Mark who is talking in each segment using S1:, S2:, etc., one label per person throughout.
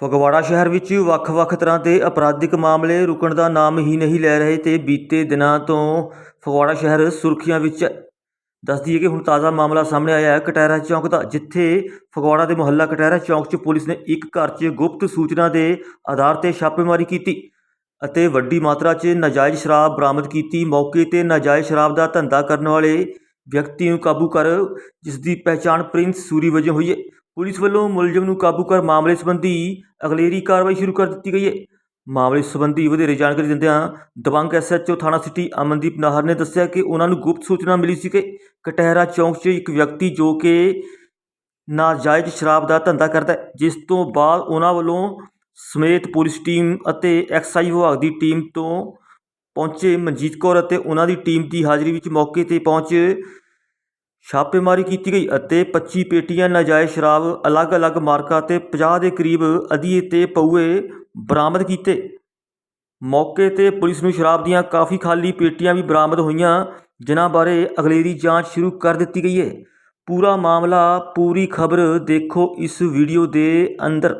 S1: ਫਗਵਾੜਾ ਸ਼ਹਿਰ ਵਿੱਚ ਵੱਖ-ਵੱਖ ਤਰ੍ਹਾਂ ਦੇ ਅਪਰਾਧਿਕ ਮਾਮਲੇ ਰੁਕਣ ਦਾ ਨਾਮ ਹੀ ਨਹੀਂ ਲੈ ਰਹੇ ਤੇ ਬੀਤੇ ਦਿਨਾਂ ਤੋਂ ਫਗਵਾੜਾ ਸ਼ਹਿਰ ਸੁਰਖੀਆਂ ਵਿੱਚ ਦੱਸ ਦਈਏ ਕਿ ਹੁਣ ਤਾਜ਼ਾ ਮਾਮਲਾ ਸਾਹਮਣੇ ਆਇਆ ਹੈ ਕਟਹਿਰਾ ਚੌਂਕ ਦਾ, ਜਿੱਥੇ ਫਗਵਾੜਾ ਦੇ ਮੁਹੱਲਾ ਕਟਹਿਰਾ ਚੌਂਕ 'ਚ ਪੁਲਿਸ ਨੇ ਇੱਕ ਘਰ 'ਚ ਗੁਪਤ ਸੂਚਨਾ ਦੇ ਆਧਾਰ ਤੇ ਛਾਪੇਮਾਰੀ ਕੀਤੀ ਅਤੇ ਵੱਡੀ ਮਾਤਰਾ 'ਚ ਨਾਜਾਇਜ਼ ਸ਼ਰਾਬ ਬਰਾਮਦ ਕੀਤੀ। ਮੌਕੇ ਤੇ ਨਾਜਾਇਜ਼ ਸ਼ਰਾਬ ਦਾ ਧੰਦਾ ਕਰਨ ਵਾਲੇ ਵਿਅਕਤੀ ਨੂੰ ਕਾਬੂ ਕਰ ਜਿਸ ਦੀ ਪਹਿਚਾਣ ਪ੍ਰਿੰਸ ਸੂਰੀ ਵਜੋਂ ਹੋਈ ਹੈ। ਪੁਲਿਸ ਵੱਲੋਂ ਮੁਲਜ਼ਮ ਨੂੰ ਕਾਬੂ ਕਰ ਮਾਮਲੇ ਸੰਬੰਧੀ ਅਗਲੇਰੀ ਕਾਰਵਾਈ ਸ਼ੁਰੂ ਕਰ ਦਿੱਤੀ ਗਈ ਹੈ। ਮਾਮਲੇ ਸੰਬੰਧੀ ਵਧੇਰੇ ਜਾਣਕਾਰੀ ਦਿੰਦਿਆਂ ਦਬੰਗ SHO ਥਾਣਾ ਸਿਟੀ ਅਮਨਦੀਪ ਨਾਹਰ ਨੇ ਦੱਸਿਆ ਕਿ ਉਹਨਾਂ ਨੂੰ ਗੁਪਤ ਸੂਚਨਾ ਮਿਲੀ ਸੀ ਕਿ ਕਟਹਿਰਾ ਚੌਂਕ 'ਚ ਇੱਕ ਵਿਅਕਤੀ ਜੋ ਕਿ ਨਾਜਾਇਜ਼ ਸ਼ਰਾਬ ਦਾ ਧੰਦਾ ਕਰਦਾ ਹੈ, ਜਿਸ ਤੋਂ ਬਾਅਦ ਉਹਨਾਂ ਵੱਲੋਂ ਸਮੇਤ ਪੁਲਿਸ ਟੀਮ ਅਤੇ ਐਕਸਾਈਜ਼ ਵਿਭਾਗ ਦੀ ਟੀਮ ਤੋਂ ਪਹੁੰਚੇ ਮਨਜੀਤ ਕੌਰ ਅਤੇ ਉਹਨਾਂ ਦੀ ਟੀਮ ਦੀ ਹਾਜ਼ਰੀ ਵਿੱਚ ਮੌਕੇ ਤੇ ਪਹੁੰਚ ਛਾਪੇਮਾਰੀ ਕੀਤੀ ਗਈ ਅਤੇ 25 ਪੇਟੀਆਂ ਨਾਜਾਇਜ਼ ਸ਼ਰਾਬ ਅਲੱਗ-ਅਲੱਗ ਮਾਰਕਾ ਤੇ 50 ਦੇ ਕਰੀਬ ਅਧੀਏ ਤੇ ਪਊਏ ਬਰਾਮਦ ਕੀਤੇ। ਮੌਕੇ ਤੇ ਪੁਲਿਸ ਨੂੰ ਸ਼ਰਾਬ ਦੀਆਂ ਕਾਫੀ ਖਾਲੀ ਪੇਟੀਆਂ ਵੀ ਬਰਾਮਦ ਹੋਈਆਂ, ਜਿਨ੍ਹਾਂ ਬਾਰੇ ਅਗਲੇਰੀ ਜਾਂਚ ਸ਼ੁਰੂ ਕਰ ਦਿੱਤੀ ਗਈ ਹੈ। ਪੂਰਾ ਮਾਮਲਾ, ਪੂਰੀ ਖਬਰ ਦੇਖੋ ਇਸ ਵੀਡੀਓ ਦੇ ਅੰਦਰ।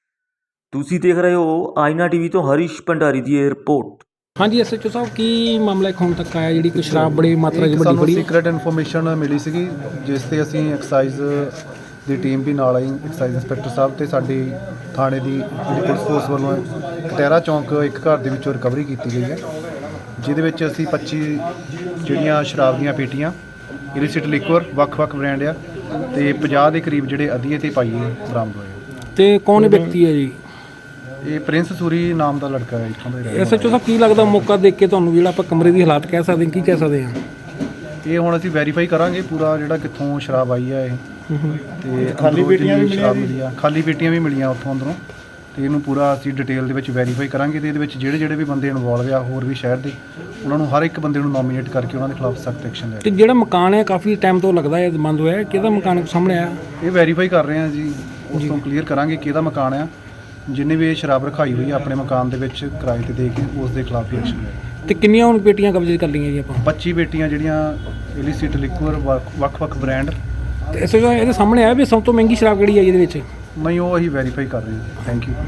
S1: ਤੁਸੀਂ ਦੇਖ ਰਹੇ ਹੋ ਆਇਨਾ ਟੀਵੀ ਤੋਂ ਹਰੀਸ਼ ਭੰਡਾਰੀ ਦੀ ਇਹ ਰਿਪੋਰਟ।
S2: ਹਾਂਜੀ SHO ਸਾਹਿਬ, ਕੀ ਮਾਮਲਾ ਹੁਣ ਤੱਕ ਆਇਆ ਜਿਹੜੀ ਕੋਈ ਸ਼ਰਾਬ ਬੜੀ ਮਾਤਰਾ 'ਚ ਵੱਡੀ ਫੜੀ?
S3: ਸੀਕ੍ਰੇਟ ਇਨਫੋਰਮੇਸ਼ਨ ਮਿਲੀ ਸੀਗੀ, ਜਿਸ ਤੇ ਅਸੀਂ ਐਕਸਾਈਜ਼ ਦੀ ਟੀਮ ਵੀ ਨਾਲ ਆਈ। ਐਕਸਾਈਜ਼ ਇੰਸਪੈਕਟਰ ਸਾਹਿਬ ਤੇ ਸਾਡੀ ਥਾਣੇ ਦੀ ਜਿਹੜੀ ਪੁਲਿਸ ਫੋਰਸ ਵੱਲੋਂ ਕਟਹਿਰਾ ਚੌਂਕ ਇੱਕ ਘਰ ਦੇ ਵਿੱਚੋਂ ਰਿਕਵਰੀ ਕੀਤੀ ਗਈ ਹੈ, ਜਿਹਦੇ ਵਿੱਚ ਅਸੀਂ 25 ਜਿਹੜੀਆਂ ਸ਼ਰਾਬ ਦੀਆਂ ਪੇਟੀਆਂ ਇਲਿਸਿਟ ਲਿਕਵਰ ਵੱਖ-ਵੱਖ ਬ੍ਰਾਂਡ ਆ ਤੇ 50 ਦੇ ਕਰੀਬ ਜਿਹੜੇ ਅਧੀਏ ਤੇ ਪਾਈਏ ਬਰਾਮਦ ਹੋਏ।
S2: ਤੇ ਕੌਣ ਵਿਅਕਤੀ ਹੈ ਜੀ?
S3: ਇਹ ਪ੍ਰਿੰਸ ਸੂਰੀ ਨਾਮ ਦਾ ਲੜਕਾ ਹੈ, ਇੱਥੋਂ ਦਾ ਹੀ ਰਹਿਣ
S2: SHO ਸਾਹਿਬ, ਕੀ ਲੱਗਦਾ ਮੌਕਾ ਦੇਖ ਕੇ ਤੁਹਾਨੂੰ ਜਿਹੜਾ ਆਪਾਂ ਕਮਰੇ ਦੀ ਹਾਲਾਤ ਕਹਿ ਸਕਦੇ ਹਾਂ, ਕੀ ਕਹਿ ਸਕਦੇ ਹਾਂ?
S3: ਇਹ ਹੁਣ ਅਸੀਂ ਵੈਰੀਫਾਈ ਕਰਾਂਗੇ ਪੂਰਾ ਜਿਹੜਾ ਕਿੱਥੋਂ ਸ਼ਰਾਬ ਆਈ ਹੈ ਇਹ, ਤੇ ਖਾਲੀ ਪੇਟੀਆਂ ਵੀ ਮਿਲੀਆਂ, ਖਾਲੀ ਪੇਟੀਆਂ ਵੀ ਮਿਲੀਆਂ ਉੱਥੋਂ ਅੰਦਰੋਂ, ਤੇ ਇਹਨੂੰ ਪੂਰਾ ਅਸੀਂ ਡਿਟੇਲ ਦੇ ਵਿੱਚ ਵੈਰੀਫਾਈ ਕਰਾਂਗੇ ਤੇ ਇਹਦੇ ਵਿੱਚ ਜਿਹੜੇ ਵੀ ਬੰਦੇ ਇਨਵੋਲਵ ਆ ਹੋਰ ਵੀ ਸ਼ਹਿਰ ਦੇ, ਉਹਨਾਂ ਨੂੰ ਹਰ ਇੱਕ ਬੰਦੇ ਨੂੰ ਨੋਮੀਨੇਟ ਕਰਕੇ ਉਹਨਾਂ ਦੇ ਖਿਲਾਫ ਸਖਤ ਐਕਸ਼ਨ ਲੈ।
S2: ਤੇ ਜਿਹੜਾ ਮਕਾਨ ਹੈ ਕਾਫੀ ਟਾਈਮ ਤੋਂ ਲੱਗਦਾ ਹੈ ਬੰਦ ਹੋਇਆ, ਕਿਹਦਾ ਮਕਾਨ ਸਾਹਮਣੇ ਆਇਆ?
S3: ਇਹ ਵੈਰੀਫਾਈ ਕਰ ਰਹੇ ਹਾਂ ਜੀ, ਉਸ ਤੋਂ ਕਲੀਅਰ ਕਰਾਂਗੇ ਕਿਹਦਾ ਮਕਾਨ ਆ। ਜਿੰਨੇ ਵੀ ਇਹ ਸ਼ਰਾਬ ਰਖਾਈ ਹੋਈ ਆ ਆਪਣੇ ਮਕਾਨ ਦੇ ਵਿੱਚ ਕਿਰਾਏ ਤੇ ਦੇ ਕੇ, ਉਸ ਦੇ ਖਿਲਾਫ ਵੀ ਐਕਸ਼ਨ ਲੈ।
S2: ਤੇ ਕਿੰਨੀਆਂ ਹੁਣ ਪੇਟੀਆਂ ਕਬਜ਼ੇ ਕਰ ਲਈਆਂ ਜੀ ਆਪਾਂ?
S3: 25 ਪੇਟੀਆਂ ਜਿਹੜੀਆਂ ਇਲਿਸਿਟ ਲਿਕਵਰ ਵੱਖ-ਵੱਖ ਬ੍ਰਾਂਡ।
S2: ਤੇ SHO ਸਾਹਿਬ, ਇਹਦੇ ਸਾਹਮਣੇ ਆਇਆ ਵੀ ਸਭ ਤੋਂ ਮਹਿੰਗੀ ਸ਼ਰਾਬ ਕਿਹੜੀ ਹੈ ਇਹਦੇ ਵਿੱਚ?
S3: ਨਹੀਂ, ਉਹ ਅਸੀਂ ਵੈਰੀਫਾਈ ਕਰ ਰਹੇ ਹਾਂ। Thank you.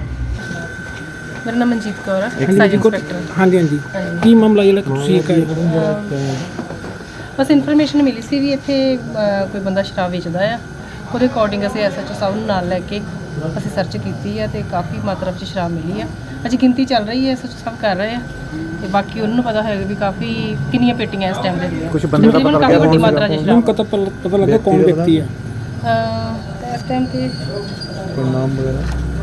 S4: ਮੇਰਾ ਨਾਮ ਮਨਜੀਤ ਕੌਰ ਹੈ, ਐਕਸਾਈਜ਼ ਇੰਸਪੈਕਟਰ।
S2: ਹਾਂਜੀ, ਕੀ ਮਾਮਲਾ ਜਿਹੜਾ ਤੁਸੀਂ
S4: ਬਸ ਇਨਫੋਰਮੇਸ਼ਨ ਮਿਲੀ ਸੀ ਵੀ ਇੱਥੇ ਕੋਈ ਬੰਦਾ ਸ਼ਰਾਬ ਵੇਚਦਾ ਆ। ਉਹਦੇ ਅਕੋਰਡਿੰਗ ਅਸੀਂ SHO ਸਾਹਿਬ ਨੂੰ ਨਾਲ ਲੈ ਕੇ ਅਸੀਂ ਸਰਚ ਕੀਤੀ ਹੈ ਤੇ ਕਾਫੀ ਮਾਤਰਾ ਵਿੱਚ ਸ਼ਰਾਬ ਮਿਲੀ ਆ। ਅਜੇ ਗਿਣਤੀ ਚੱਲ ਰਹੀ ਹੈ, SHO ਸਾਹਿਬ ਕਰ ਰਹੇ ਆ ਤੇ ਬਾਕੀ ਉਹਨਾਂ ਨੂੰ ਪਤਾ ਹੋਏਗਾ ਵੀ ਕਾਫੀ ਕਿੰਨੀਆਂ ਪੇਟੀਆਂ ਇਸ ਟਾਈਮ ਦੇ ਦੀਆਂ।
S2: ਕੁਝ ਬੰਦੇ ਦਾ ਪਤਾ
S4: ਕਾਫੀ ਵੱਡੀ ਮਾਤਰਾ 'ਚ ਸ਼ਰਾਬ
S2: ਪਤਾ ਲੱਗਾ ਕੌਣ ਵਿਅਕਤੀ ਹੈ
S4: ਇਸ ਟਾਈਮ ਤੇ?
S2: ਕੋਈ ਨਾਮ ਵਗੈਰਾ?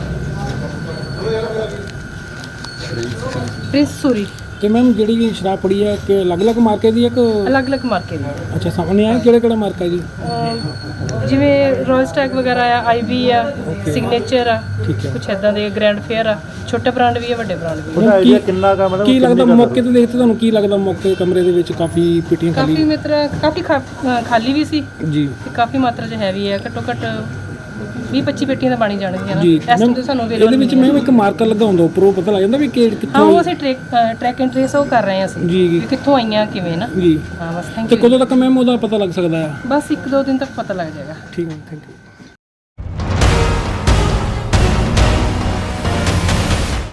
S4: ਪ੍ਰਿੰਸ ਸੂਰੀ।
S2: ਤੇ ਮੈਮ ਜਿਹੜੀ ਸ਼ਰਾਬ ਫੜੀ ਹੈ ਕਿ ਅਲੱਗ-ਅਲੱਗ ਮਾਰਕੇ ਦੀ ਹੈ ਕਿ
S4: ਅਲੱਗ-ਅਲੱਗ ਮਾਰਕੇ ਦੀ?
S2: ਅੱਛਾ, ਸਾਹਮਣੇ ਆਇਆ ਕਿਹੜਾ ਮਾਰਕਾ ਜੀ?
S4: ਜਿਵੇਂ ਰੋਇਲ ਸਟੈਗ ਵਗੈਰਾ ਆ, IB ਆ, ਸਿਗਨੇਚਰ ਆ, ਕੁਛ ਇੱਦਾਂ ਦੇ ਗ੍ਰੈਂਡ ਫੇਅਰ ਆ। ਛੋਟੇ ਬ੍ਰਾਂਡ ਵੀ ਆ, ਵੱਡੇ ਬ੍ਰਾਂਡ ਵੀ ਆ।
S3: ਕਿੰਨਾ ਕਾ ਮਤਲਬ
S2: ਕੀ ਲੱਗਦਾ ਮੌਕੇ ਤੇ ਦੇਖਦੇ ਤੁਹਾਨੂੰ ਕੀ ਲੱਗਦਾ? ਮੌਕੇ ਕਮਰੇ ਦੇ ਵਿੱਚ ਕਾਫੀ ਪੇਟੀਆਂ ਖਾਲੀ,
S4: ਕਾਫੀ ਮਾਤਰਾ ਕਾਫੀ ਖਾਲੀ ਵੀ ਸੀ
S2: ਜੀ
S4: ਤੇ ਕਾਫੀ ਮਾਤਰਾ 'ਚ ਹੈਵੀ ਹੈ। ਘੱਟੋ ਘੱਟ 20-25 ਪੇਟੀਆਂ ਤਾਂ ਬਣੀ ਜਾਣਗੀਆਂ ਨਾ
S2: ਜੀ।
S4: ਇਸ ਟਾਈਮ ਤੇ ਸਾਨੂੰ
S2: ਇਹਦੇ ਵਿੱਚ ਮੈਮ ਇੱਕ ਮਾਰਕਰ ਲੱਗਾ ਹੁੰਦਾ ਉੱਪਰੋਂ, ਪਤਾ ਲੱਗ ਜਾਂਦਾ ਵੀ ਕਿੱਥੋਂ?
S4: ਹਾਂ, ਉਹ ਅਸੀਂ ਟਰੈਕ ਐਂਡ ਟ੍ਰੇਸ ਉਹ ਕਰ ਰਹੇ ਹਾਂ ਅਸੀਂ
S2: ਜੀ
S4: ਵੀ ਕਿੱਥੋਂ ਆਈਆਂ ਕਿਵੇਂ ਨਾ
S2: ਜੀ।
S4: ਹਾਂ, ਬਸ ਥੈਂਕ
S2: ਤੇ
S4: ਯੂ।
S2: ਕਦੋਂ ਤੱਕ ਮੈਮ ਉਹਦਾ ਪਤਾ ਲੱਗ ਸਕਦਾ ਹੈ?
S4: ਬਸ 1-2 ਦਿਨ ਤੱਕ ਪਤਾ ਲੱਗ ਜਾਏਗਾ।
S2: ਠੀਕ ਹੈ, ਥੈਂਕ ਯੂ।